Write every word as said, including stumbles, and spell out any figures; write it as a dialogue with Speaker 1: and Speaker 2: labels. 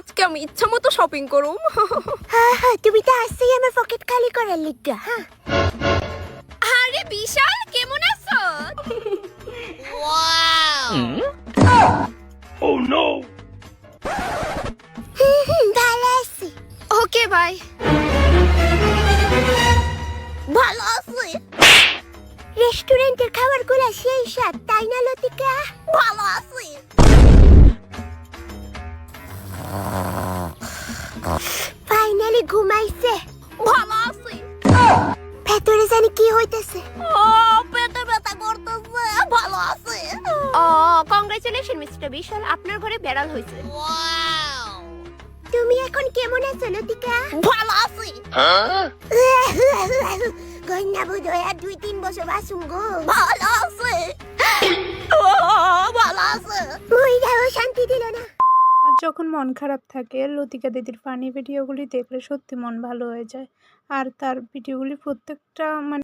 Speaker 1: আজকে আমি ইচ্ছা মতো শপিং করুম।
Speaker 2: হ্যাঁ হ্যাঁ তুমি তো আসছেই আমার পকেট খালি করার লিগা। হ্যাঁ
Speaker 1: আরে বিশাল কেমন আছো?
Speaker 3: Oh no!
Speaker 2: হুম, হুম, ভালো আছি।
Speaker 1: Okay bye.
Speaker 2: ভালো আছি। রেস্টুরেন্টের খাবার গুলা সেই স্বাদ, তাই না লতিকা? ভালো আছি। ফাইনালি ঘুমাইছে।
Speaker 1: ভালো আছি।
Speaker 2: ভেতরে জানি কি হইতেছে।
Speaker 1: ও পেটে ব্যথা করতেছে। ভালো আছি। ও কংগ্রাচুলেশন মিস্টার বিশাল, আপনার ঘরে বেড়াল হইছে।
Speaker 2: তুমি এখন কেমন আছো লতিকা?
Speaker 1: ভালো আছি।
Speaker 3: Huh?
Speaker 2: কন্যা বোধহয় আর দুই তিন বছর বাসুম গো।
Speaker 1: ভালো আছি। ও ভালো আছে।
Speaker 2: মহিলাও শান্তি দিল না।
Speaker 4: আর যখন মন খারাপ থাকে লতিকা দিদির ফানি ভিডিওগুলি দেখলে সত্যি মন ভালো হয়ে যায়। আর তার ভিডিওগুলি প্রত্যেকটা মানে